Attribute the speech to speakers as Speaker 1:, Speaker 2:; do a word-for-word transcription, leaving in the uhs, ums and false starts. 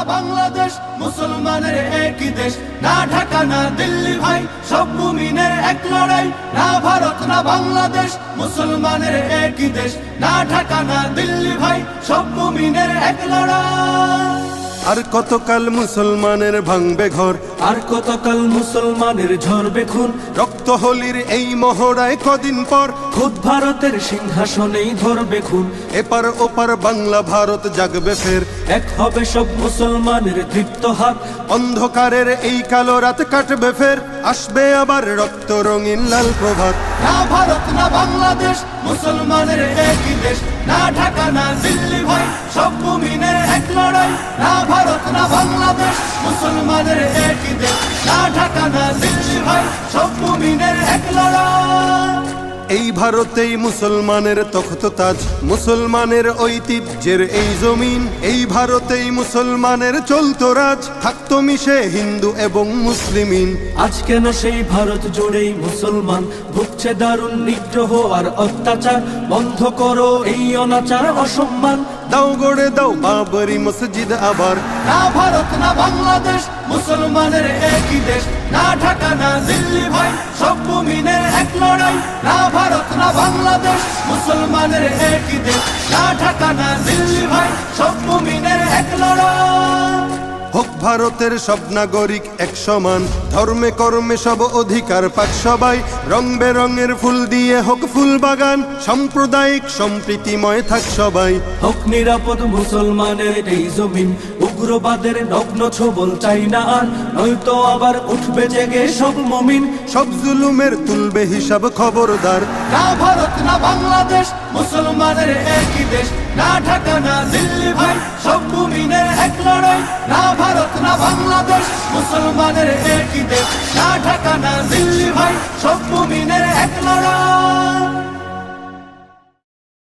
Speaker 1: বাংলাদেশ মুসলমানের একই দেশ, না ঢাকা না দিল্লি ভাই সব মুমিনের এক লড়াই। না ভারত না বাংলাদেশ মুসলমানের একই দেশ, না ঢাকা না দিল্লি ভাই সব মুমিনের এক লড়াই।
Speaker 2: আর কতকাল মুসলমানের ভাঙবে ঘর,
Speaker 1: আর কতকাল মুসলমানের ঝরবে খুন,
Speaker 2: রক্ত হোলির এই মহড়ায় কদিন পর
Speaker 1: খুদ ভারতের সিংহাসনেই ধরবে খুন।
Speaker 2: এপার ওপার বাংলা ভারত জাগবে ফের,
Speaker 1: এক হবে সব মুসলমানের দীপ্ত হাত।
Speaker 2: অন্ধকারের এই কালো রাত কাটবে ফের, আসবে আবার রক্ত রঙিন লাল প্রভাত।
Speaker 1: না ভারত না বাংলাদেশ মুসলমানের একই দেশ, না ঢাকা না দিল্লি ভাই সব মুমিনের এক লড়াই। না ভারত না বাংলাদেশ মুসলমানের একই দেশ, না ঢাকা না দিল্লি ভাই সব মুমিনের এক লড়াই।
Speaker 2: এই ভারতেই মুসলমানের তখ্ত তাজ, মুসলমানের ঐতিহ্যের এই জমিন। এই ভারতেই মুসলমানের চলতো রাজ, থাকতো মিশে হিন্দু এবং মুসলিমিন।
Speaker 1: আজ কেন সেই ভারত জুড়েই মুসলমান ভুগছে দারুণ নিগ্রহ আর অত্যাচার। বন্ধ করো এই অনাচার অসম্মান,
Speaker 2: দাও গড়ে দাও বাবরি মসজিদ আবার।
Speaker 1: না ভারত না বাংলাদেশ মুসলমানের একই দেশ, না ঢাকা না দিল্লি ভাই সব মুমিনের এক লড়াই। না ভারত না বাংলাদেশ মুসলমানের একই দেশ, না ঢাকা না দিল্লি ভাই সব মুমিনের এক লড়াই।
Speaker 2: হোক ভারতের সব নাগরিক এক সমান, ধর্মে কর্মে সব অধিকার পাক সবাই। রং বেরঙের ফুল দিয়ে হোক ফুল বাগান, সাম্প্রদায়িক সম্প্রীতিময় থাক সবাই।
Speaker 1: হোক নিরাপদ মুসলমানের এই জমিন, উগ্রবাদের নগ্ন ছবল চাই না আর। নয়তো আবার উঠবে জেগে সব মুমিন,
Speaker 2: সব জুলুমের তুলবে হিসাব খবরদার।
Speaker 1: না ভারত না বাংলাদেশ মুসলমানের একই দেশ, না ঢাকা না দিল্লি ভাই সব মুমিনের এক লড়াই। না ভারত না বাংলাদেশ মুসলমানের একই দেশ, না